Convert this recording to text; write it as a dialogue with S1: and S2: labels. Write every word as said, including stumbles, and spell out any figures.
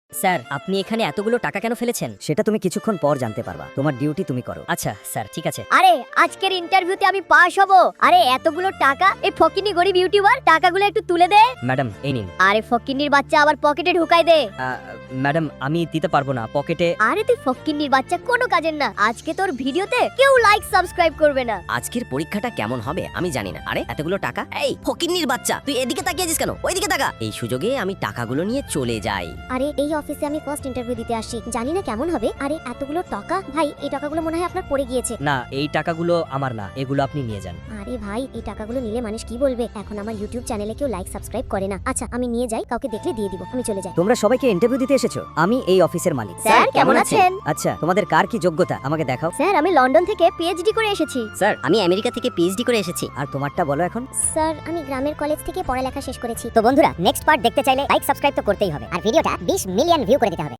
S1: Sir, আপনি এখানে এতগুলো টাকা কেন ফেলেছেন?
S2: সেটা তুমি কিছুক্ষণ পর জানতে পারবা। তোমার ডিউটি তুমি করো।
S1: আচ্ছা স্যার, ঠিক আছে।
S3: আরে আজকের ইন্টারভিউতে আমি পাস হব। আরে এতগুলো টাকা, এই ফকিনি গরিব ইউটিউবার টাকাগুলো একটু তুলে দে।
S1: ম্যাডাম, এই নিন।
S3: আরে ফকিন্নির বাচ্চা আবার পকেটে ঢুকাই দে।
S1: আহ, ম্যাডাম, আমি দিতে পারবো না, পকেটে।
S3: আরে তুই ফকিন্নির বাচ্চা কোনো কাজের না। আজকে তোর ভিডিওতে কেউ লাইক সাবস্ক্রাইব করবে না।
S4: আজকের পরীক্ষাটা কেমন হবে আমি জানি না। আরে এতগুলো টাকা, এই ফকিন্নির বাচ্চা, তুই এদিকে তাকিয়েছিস কেন? ওইদিকে তাকা। এই সুযোগে আমি টাকাগুলো নিয়ে চলে যাই।
S5: আরে এই অফিসে আমি ফার্স্ট ইন্টারভিউ দিতে আসি, জানি না কেমন হবে। আরে এতগুলো টাকা, ভাই এই টাকাগুলো মনে হয় আপনার পড়ে গিয়েছে।
S1: না, এই টাকাগুলো আমার না, এগুলো আপনি নিয়ে যান।
S5: আরে ভাই এই টাকাগুলো নিলে মানুষ কি বলবে? এখন আমার ইউটিউব চ্যানেলে কেউ লাইক সাবস্ক্রাইব করে না। আচ্ছা আমি নিয়ে যাই, কাউকে দেখলে দিয়ে দিব, আমি চলে যাই।
S2: তোমরা সবাইকে ইন্টারভিউ দিতে এসেছো? আমি এই অফিসের মালিক।
S3: স্যার কেমন আছেন?
S2: আচ্ছা, তোমাদের কার কি যোগ্যতা আমাকে দেখাও।
S3: স্যার আমি লন্ডন থেকে পিএইচডি করে এসেছি।
S4: স্যার, আমি আমেরিকা থেকে পিএইচডি করে এসেছি।
S2: আর তোমারটা বলো এখন।
S5: স্যার আমি গ্রামের কলেজ থেকে পড়ালেখা শেষ করেছি। তো বন্ধুরা, নেক্সট পার্ট দেখতে চাইলে লাইক সাবস্ক্রাইব তো করতেই হবে, আর ভিডিওটা বিশ মিলিয়ন ভিউ করে দিতে হবে।